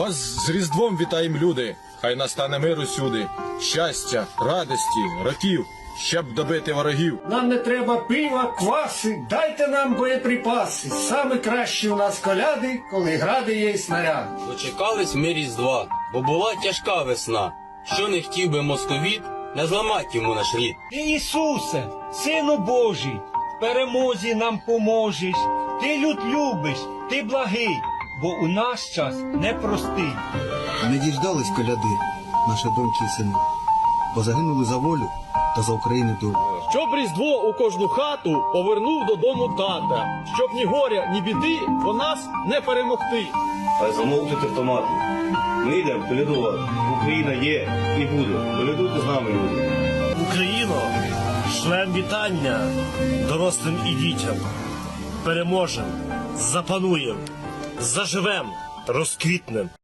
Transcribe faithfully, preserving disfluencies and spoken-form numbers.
Вас з Різдвом вітаєм, люди, хай настане мир усюди, щастя, радості, років, щоб добити ворогів. Нам не треба пива, кваси, дайте нам боєприпаси. Саме кращі у нас коляди, коли гради є й снаряди. Дочекались ми Різдва, бо була тяжка весна. Що не хотів би московіт, не зламать йому наш рід. Ти, Ісусе, Сину Божий, в перемозі нам поможеш. Ти люд любиш, ти благий, бо у наш час непростий. Не діждались коляди, наші доньки і сини, бо загинули за волю та за Україну долю. Щоб Різдво у кожну хату повернув додому тата, щоб ні горя, ні біди по нас не перемогти. Хай замовчать автомати. Ми йдемо колядувати. Україна є і буде. Колядуйте з нами, люди. Україно, шлем вітання дорослим і дітям. Переможем, запануєм, заживем, розквітнем.